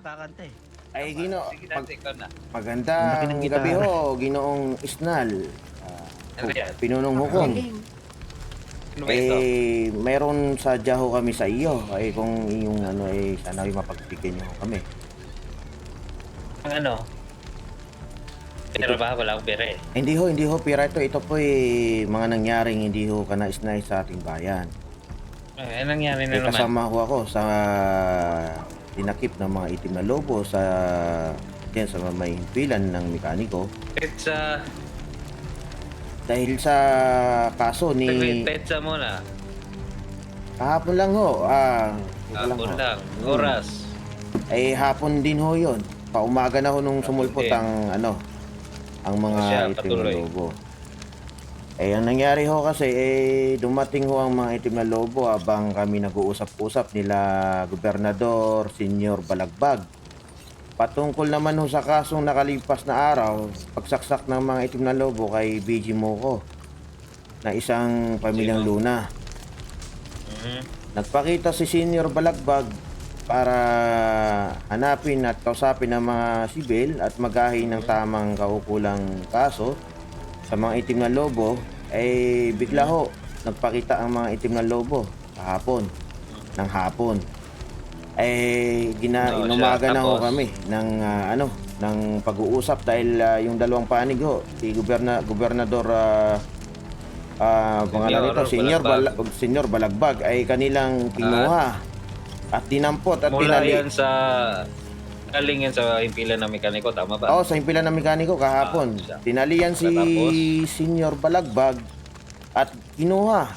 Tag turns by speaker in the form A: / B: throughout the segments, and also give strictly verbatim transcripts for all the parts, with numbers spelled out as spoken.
A: kakanta eh.
B: Ay, Gino,
C: Sige
B: pag,
C: natin, ikaw na.
B: magandang gabi ho, Ginoong Isnal. Uh,
C: Ano yan?
B: Pinunong hukom.
C: Ano ba ito?
B: Eh, meron sadya ho kami sa iyo. Ay, kung yung ano, eh, sana ay mapagbigyan niyo ho kami.
C: Ang ano? Pero ba? Wala akong pera eh.
B: Hindi ho, hindi ho, pira ito. Ito po eh, mga nangyaring hindi ho kanais-nais sa ating bayan.
C: Eh, anong nangyari na
B: Eh,
C: naman?
B: kasama ho ako sa tinakip ng mga itim na lobo sa yan, sa may himpilan ng mekaniko.
C: Petsa.
B: Dahil sa kaso ni...
C: Petsa muna.
B: Kahapon lang ho. Ah, ito lang
C: Hapon
B: ho.
C: lang. Oras.
B: Eh, hapon din ho yun. Paumaga na ho nung sumulpot
C: din.
B: ang ano, ang mga
C: Siya,
B: itim na
C: patuloy.
B: lobo. Eh, ang nangyari ho kasi, eh, dumating ho ang mga itim na lobo habang kami nag-uusap-usap nila Gobernador Senyor Balagbag. Patungkol naman ho sa kasong nakalipas na araw, pagsaksak ng mga itim na lobo kay B G Moco na isang pamilyang
C: Sino?
B: Luna.
C: Mhm.
B: Nagpakita si Senyor Balagbag para hanapin at kausapin ang mga sibil at maghain ng tamang kaukulang kaso sa mga itim na lobo. Eh, bigla ho, nagpakita ang mga itim na lobo kahapon, ng hapon. Eh, gina,
C: Oo,
B: inumaga
C: siya.
B: na ho
C: Tapos?
B: kami ng ah, ano, ng pag-uusap dahil ah, yung dalawang panig ho, si Goberna, Gobernador ah ah, pangalan nito, Senyor
C: Balagbag.
B: Balagbag, Senyor Balagbag ay kanilang kinuha at dinampot at
C: Mula
B: tinali.
C: yan sa... Galing yan sa impilan ng mekaniko, tama ba?
B: Oo, sa himpilan ng mekaniko kahapon.
C: Ah, siya.
B: Tinalian si
C: Tapos?
B: Senyor Balagbag at kinuha.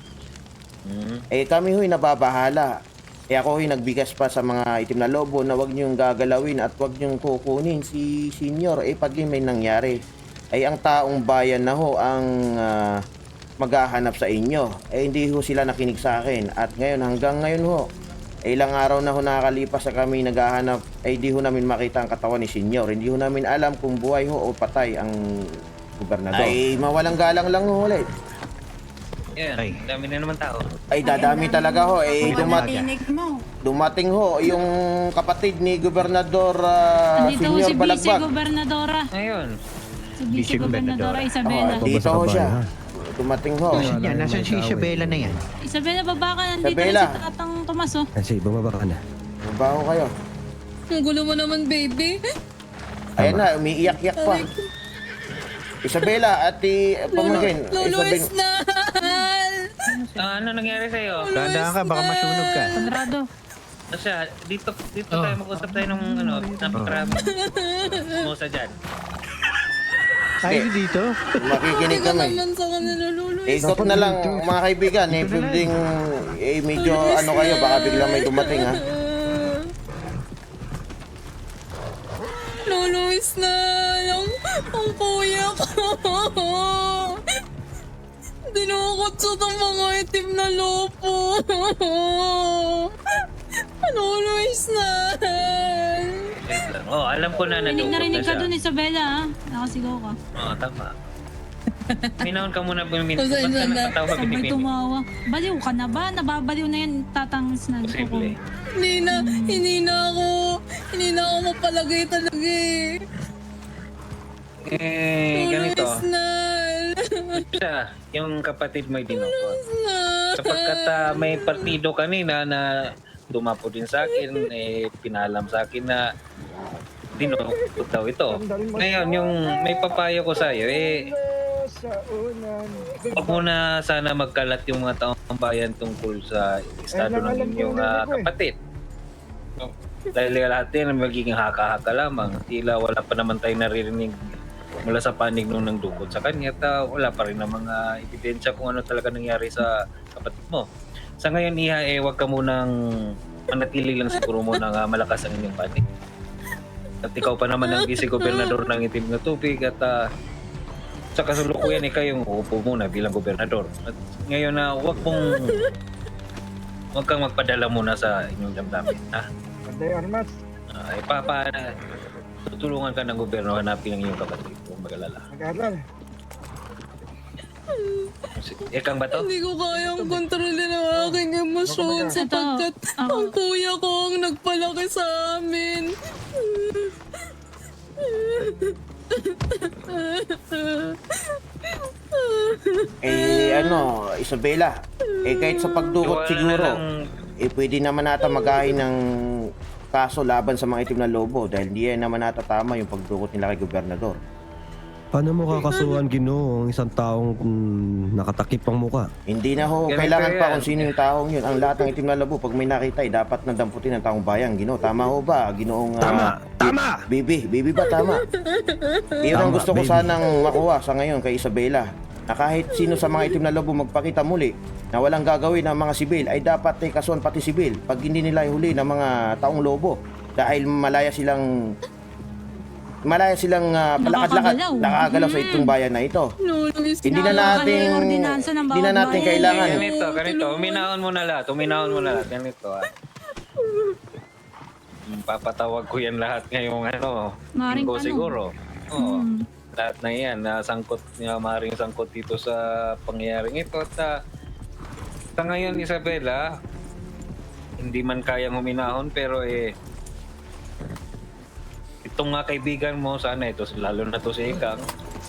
C: Mhm.
B: Eh kami ho'y nababahala. Eh ako ho'y nagbigas pa sa mga itim na lobo na wag niyong gagalawin at wag niyong kukunin si Senyor. Eh pag may nangyari, ay ang taong bayan na ho ang ah, maghahanap sa inyo. Eh hindi ho sila nakinig sa akin. At ngayon, hanggang ngayon ho, eh, ilang araw na ho nakakalipas sa kami naghahanap, ay di ho namin makita ang katawan ni Senyor. Hindi ho namin alam kung buhay ho o patay ang gobernador. Ay mawalang galang lang ho ulit.
C: Yan,
A: Ay.
C: dami na naman tao.
B: Ay dadami talaga ho. Eh dumat
D: Tinig mo.
B: dumating ho yung kapatid ni Gobernador uh,
D: Andito ho
B: Senyor
D: si Vice
B: Balagbag.
D: Gobernadora.
C: Ngayon,
D: Si Vice Gobernadora Isabela.
B: Oh, dito ho siya. Dumating ho.
A: Nasaan yan? Nasaan si Isabela na yan?
D: Isabela, baba ka. Nandito rin
B: Isabela.
D: si Tatang Tomas, oh.
A: Kasi bababa ka na.
B: Baho kayo.
E: Ang gulo mo naman, baby.
B: Ayan na, umiiyak-iyak pa. Isabela, ati pamagin.
E: Lolo
B: Isabel,
E: Isnal!
C: ah, ano nangyari sa'yo?
A: Tandaan ka, baka masunog ka.
D: Konrado.
C: Asya, dito, dito
A: Oh.
C: tayo mag-usap tayo ng ano, napakarami. Mo sa dyan.
A: Ay, dito.
B: makikinig
E: Hindi ka
B: kami.
E: naman sa kanila, Lolo
B: Ikot na lang mga kaibigan, eh, building, eh, medyo ano kayo, baka bigla may dumating ha.
E: Lolo Isnal! Ang, ang kuya ko! Dinukot sa ng mga itim na lopo! Lolo Isnal!
C: Wait lang. Oh, alam ko na
D: Rinig
C: nadukot
D: na
C: na
D: rinig ka
C: siya.
D: dun, Isabela, ha? Nakasigaw ka.
C: Oo, tama. Minahon ka muna bumin. Ba't
E: Pasensya
C: ka
E: na.
C: nakatawa
D: Sabay
C: binibini?
D: tumawa. Baliw ka na ba? Nababaliw na yan, Tatang Snag.
C: Posible.
E: Hindi na, hindi na ako, hindi na ako mapalagay talaga eh.
C: Eh,
E: Lolo
C: ganito.
E: Isnal!
C: Siya, yung kapatid mo dinukot.
E: Isnal!
C: Sapagkat ah, may partido kanina na dumapo din sa akin, eh, pinalam sa akin na dinukot daw ito. Ngayon, yung may papayo ko sa iyo, eh, huwag mo na sana magkalat yung mga taong bayan tungkol sa estado ng inyong ah, kapatid. No? Dahil lahat yan magiging haka-haka lamang. Tila wala pa naman tayo naririnig mula sa panig nung nang dukot sa kanya at ah, wala pa rin na mga ebidensya kung ano talaga nangyari sa kapatid mo. Sa ngayon, Iha, eh, huwag ka munang manatili lang siguro mo na malakas ang inyong panig. At ikaw pa naman ang vice-gobernador ng itim na tubig at uh, sa kasalukuyan eh kayong uupo muna bilang gobernador. At ngayon na uh, huwag mong huwag kang magpadala muna sa inyong damdamin. Ha?
F: Panday Armas.
C: Uh, ipapa tutulungan ka ng gobyerno hanapin ang iyong kapatid kung mag-alala.
F: Mag-aaral.
C: Ikang ba to?
E: Hindi ko kayang kontrolin ang aking emosyon sapagkat
D: Ako.
E: ang kuya ko ang nagpalaki sa amin.
B: Eh, ano, Isabela, eh kahit sa pagdukot
C: Wala
B: siguro,
C: na lang.
B: eh pwede naman nata magahin ng kaso laban sa mga itim na lobo dahil hindi yan naman nata tama yung pagdukot nila kay gobernador.
F: Paano mo kakasuhan, Ginoo, ang isang taong mm, nakatakip ang muka?
B: Hindi na ho,
C: Ganito
B: kailangan pa
C: yan.
B: kung sino yung taong yun. Ang lahat ng itim na lobo, pag may nakita, eh, dapat na damputin ng taong bayan. Ginoo, tama ho ba? Ginoong... ah,
F: Tama! Tama!
B: Bibi, Bibi ba tama? Iyon ang
F: Tama,
B: gusto ko
F: baby.
B: sanang makuha sa ngayon kay Isabela. Na kahit sino sa mga itim na lobo magpakita muli na walang gagawin ng mga sibil ay dapat eh, kasuhan pati sibil pag hindi nila ihuli ng mga taong lobo dahil malaya silang malaya silang uh, palakad-lakad
D: Nakakagalaw.
B: nakakagalaw sa
D: Mm.
B: itong bayan na ito.
E: Lolo, is
B: Hindi na
D: Nakakagalaw
B: natin
D: yung ordinansa ng
B: hindi na
D: bawat
B: natin
D: bayan.
B: kailangan.
C: Ganito, ganito. Uminahon mo na lahat. Uminahon mo na lahat. Ganito ah. Hmm, Papatawag ko yan lahat ngayong ano.
D: Maring
C: Linggo
D: ano.
C: siguro. Oo.
D: Hmm.
C: Lahat na yan. Nasangkot niya, maring sangkot dito sa pangyayaring ito. At ah, sa ngayon, Isabela, hindi man kayang huminahon pero eh itong nga kaibigan mo sana ito lalo na to si Ikang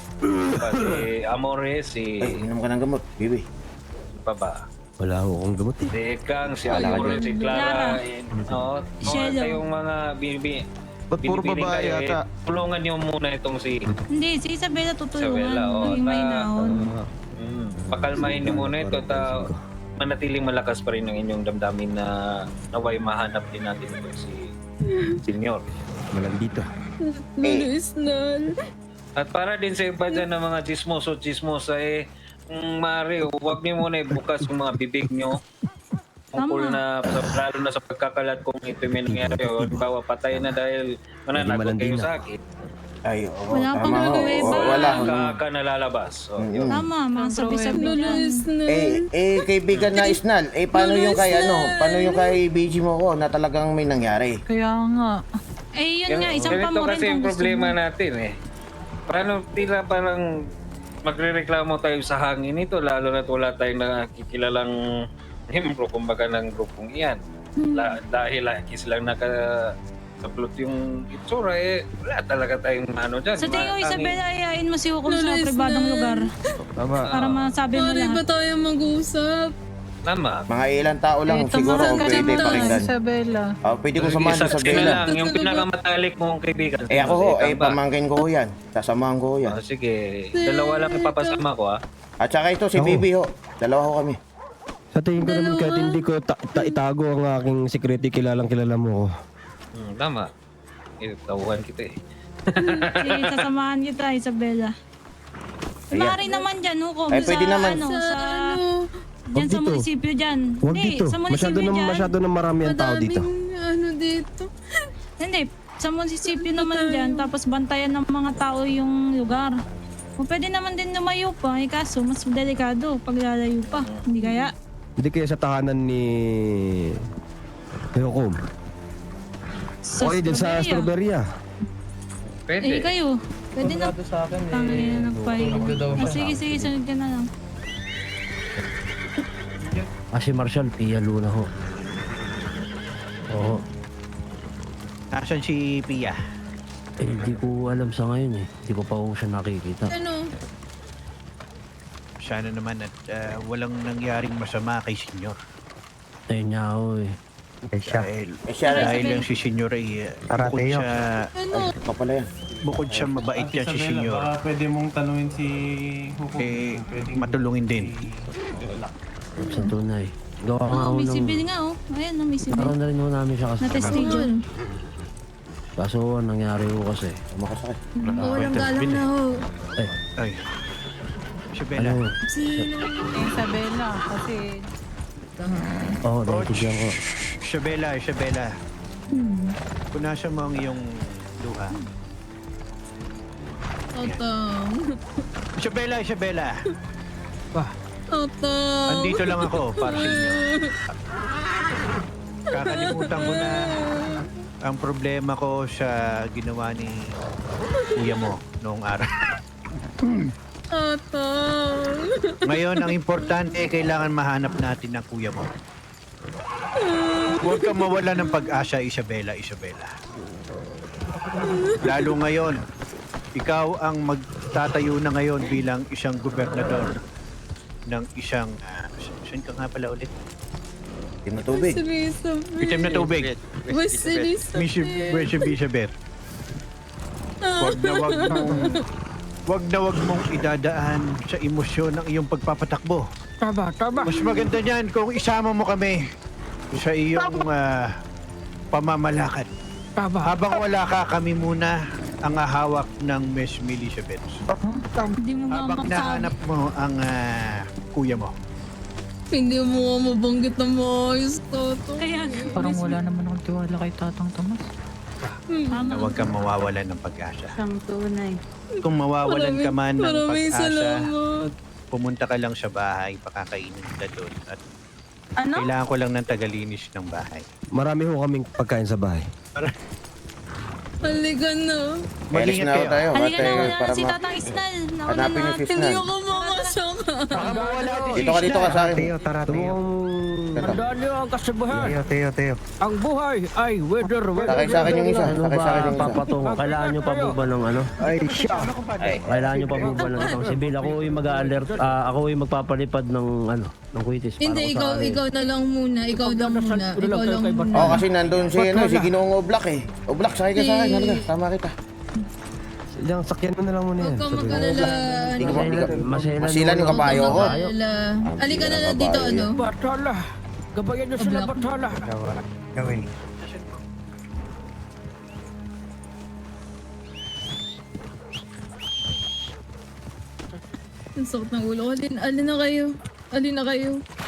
C: si Amore si
B: Ay, inom ka ng gamot, Bibi.
C: pa ba
F: Wala ho akong gamot eh.
C: si Ikang si
B: Wala ka
C: Amore
B: dyan.
C: si Clara eh, no
D: Shelo.
C: kayong mga bibi
G: Ba't puro
C: binibining
G: babae
C: kayo,
G: yata?
C: eh, tulungan niyo muna itong si
D: Hindi, si Isabela tutulungan.
C: Isabela oh,
D: Maging may
C: na,
D: naon.
C: mm, pakalmahin niyo muna ito ta manatiling malakas pa rin ang inyong damdamin na naway mahanap din natin ito si Senyor.
F: Malandito.
E: Lolo Isnal.
C: At para din sa iba dyan ng mga chismoso chismosa eh, mm, Mari, huwag niyo muna ibukas yung mga bibig niyo. Tungkol
D: Tama.
C: na, sa, lalo na sa pagkakalat kung ito may nangyari o bawa patay na dahil mananagot kayo
F: malandina.
C: sa akin.
B: Ay, oo,
D: Wala pang
B: tama ho.
D: nagwe-wave.
B: Oo, wala ho.
C: Kaka nalalabas. So, yun.
D: Tama, mga sabi-sabi
E: Lolo
D: lang.
E: Isnal.
B: Eh, eh, kaibigan na Isnal, eh, paano yung kay ano, paano yung kay B G mo ko na talagang may nangyari?
E: Kaya nga.
D: Eh, yun nga, isang
C: Ganito
D: pa mo rin
C: kasi
D: kung
C: yung
D: gusto
C: problema
D: mo.
C: natin eh. Paano tila parang magrereklamo tayo sa hangin ito lalo na wala tayong nakikilalang membro kumbaga ng grupong iyan.
D: Hmm.
C: La, dahil lagi silang nakasaplot yung itsura eh wala talaga tayong ano dyan.
D: Sa tingin ko,
C: Ma-
D: Isabela, ayain mo si Hukom
E: Lolo
D: sa
E: Isnal.
D: pribadong lugar.
G: Tama.
D: Para masabi mo
E: Pare ba
D: lahat.
E: tayo mag-usap?
C: Tama.
B: Mga ilang tao lang
E: Ito,
B: siguro
E: mga
B: ang pwede
E: ganito.
B: pakinggan.
E: Isabela.
B: Ah, pwede ko samahan
C: Isa
B: sa
C: sino
B: Bella.
C: lang, yung pinakamatalik mong kaibigan.
B: Eh ako ho,
C: Ikaw
B: eh
C: ba?
B: pamangkin ko ho yan. Sasamahan ko ho yan.
C: Ah, sige, dalawa lang ipapasama ko ah.
B: At saka ito si
F: Ako.
B: Bibi ho. Dalawa ho kami.
F: Sa tingin ko naman kahit hindi ko ta- ta- itago ang aking security, kilalang kilala mo ko.
C: Hmm, tama. Eh, tawuhan kita eh.
D: Sige, sasamahan kita, Isabela.
B: Ayan.
D: Mari naman dyan, Hukom.
B: Ay, pwede
D: sa,
B: naman.
D: Ano,
E: Sa
D: sa...
E: ano?
D: Dyan
F: Wag
D: sa
F: dito.
D: munisipyo dyan.
F: Huwag
D: Hindi,
F: dito.
D: sa
F: Masyado
D: munisipyo
F: na,
D: dyan.
F: masyado na marami ang tao dito.
E: Madaming ano dito.
D: Hindi, sa munisipyo naman dyan. Tapos bantayan ng mga tao yung lugar. O pwede naman din lumayo pa. Eh kaso, mas delikado pag lalayo pa. Hindi kaya?
F: Hindi kaya sa tahanan ni... ni Hukom.
D: Sa
F: Okay, din sa
D: Strawberry, ah.
F: Strawberry.
C: Pwede.
D: Eh kayo, pwede na.
G: sa akin
D: Tangin na nagpahinga. Ah, sige, sige, sunod ka na lang.
H: Ah, si Marshall, Pia Luna ho. Oo.
A: Nasaan si Pia?
H: Eh, hindi ko alam sa ngayon eh. Hindi ko pa ho siya nakikita.
E: Ano?
A: Sana naman at ah, walang nangyaring masama kay Senyor.
H: Ayun niya ho eh.
A: Dahil,
B: Eh siya rin.
A: dahil lang si Senyor ay ah, bukod siya,
E: Ano?
B: Ito pala yan.
A: bukod siya mabait yan si Senyor.
G: Baka pwede mong tanungin si Hukom.
A: Eh,
G: Pwedeng-
A: matulungin din.
H: Sa tunay. Gawa nga
D: Oh,
H: ho
D: may
H: ng...
D: sibil nga oh. Ayan, no, may sibil.
H: Araw na rin ho namin siya kasi.
D: Na-testigo.
H: Kaso ang nangyari ho kasi.
B: Makasakit.
E: Walang galang na ho.
H: Eh,
A: Ay. Isabela.
H: ano?
E: Sino?
I: Isabela, kasi
H: Oo, oh, naintindihan ko.
A: Isabela, Isabela. Punasan mo ang iyong luha.
E: Otong.
A: Isabela, Isabela.
E: Otong.
A: Andito lang ako para sa inyo. Kakalimutan ko na ang problema ko sa ginawa ni kuya mo noong araw.
E: Tatang.
A: Ngayon, ang importante, kailangan mahanap natin ang kuya mo. Huwag kang mawala ng pag-asa, Isabela, Isabela. Lalo ngayon, ikaw ang magtatayo na ngayon bilang isang gobernador ng isang... Uh, saan ka nga pala ulit?
B: Itim na tubig.
A: Itim na tubig.
E: West Elizabeth.
A: Miss Elizabeth. Huwag na wag mong... Huwag na wag mong idadaan sa emosyon ng iyong pagpapatakbo.
H: Tama, tama.
A: Mas maganda niyan kung isama mo kami sa iyong ah, pamamalakad.
H: Tama.
A: Habang wala ka, kami muna ang hahawak ng Miss Elizabeth.
D: Hindi mo nga
A: Habang
D: makasama.
A: nahanap mo ang ah, kuya mo.
E: Hindi mo nga mabanggit na maayos, Tatang.
D: Kaya,
I: Parang wala naman akong tiwala kay Tatang Tomas.
A: Na
D: tama.
A: huwag kang mawawalan ng pag-asa.
I: Ang tunay.
A: Kung mawawalan ka man ng
E: Maraming
A: pag-asa,
E: salamat.
A: pumunta ka lang sa bahay, pakakainin kita doon. At
I: Ano?
A: kailangan ko lang ng tagalinis ng bahay.
F: Marami ho kaming pagkain sa bahay.
E: Halika na.
B: Alis
A: Mag-ingat
B: na ako
A: kayo.
B: tayo.
D: Halika
B: Ate,
D: na, wala
B: para
D: na si
B: ma-
D: Tatang Isnal. Nauna
B: Hanapin
D: na.
B: niyo si
E: Hindi
B: Isnal.
E: ako makasama.
A: Baka mawala din si
B: Dito ka, dito ka
A: Isla.
B: sa akin.
H: Tara, Teo.
B: Ito.
H: Tandaan niyo ang kasabahan.
G: Teo, Teo, Teo.
H: Ang buhay ay weather, weather.
B: Sakay sa akin yung isa.
F: Ano
B: Sakay
F: ba,
B: sa akin yung isa.
F: papatungo? Kailangan nyo pa po ba ng ano?
H: Ay, siya.
B: Ay,
F: Kailangan nyo pa po ba ng ibang sibil? Ako yung mag-alert, ah, ako yung magpapalipad ng ano, ng kwitis. para
E: Hindi,
F: ko
E: ikaw,
F: sakali.
E: ikaw na lang muna. Ikaw lang muna. Ikaw lang muna.
B: Oo, kasi nandun si, ano, si Ginoong Oblak eh. Oblak, sakay ka sa akin. Halika, tama kita.
F: Yung sakyan mo na lang muna
E: Huwag
F: yan.
E: kang
F: Sabi mo.
E: mag-alala.
B: Hindi ko
E: ano.
B: hindi ko-
F: Maselan
B: Masilan yung
F: mo.
B: kabayo ko.
E: Mag-alala. Halika na lang dito, ano?
H: Batala. Gabayan niyo sila,
E: Oblak.
H: Batala.
G: Gawin.
E: Ang sakit ng ulo ko. Alin, alin na kayo. Alin na kayo.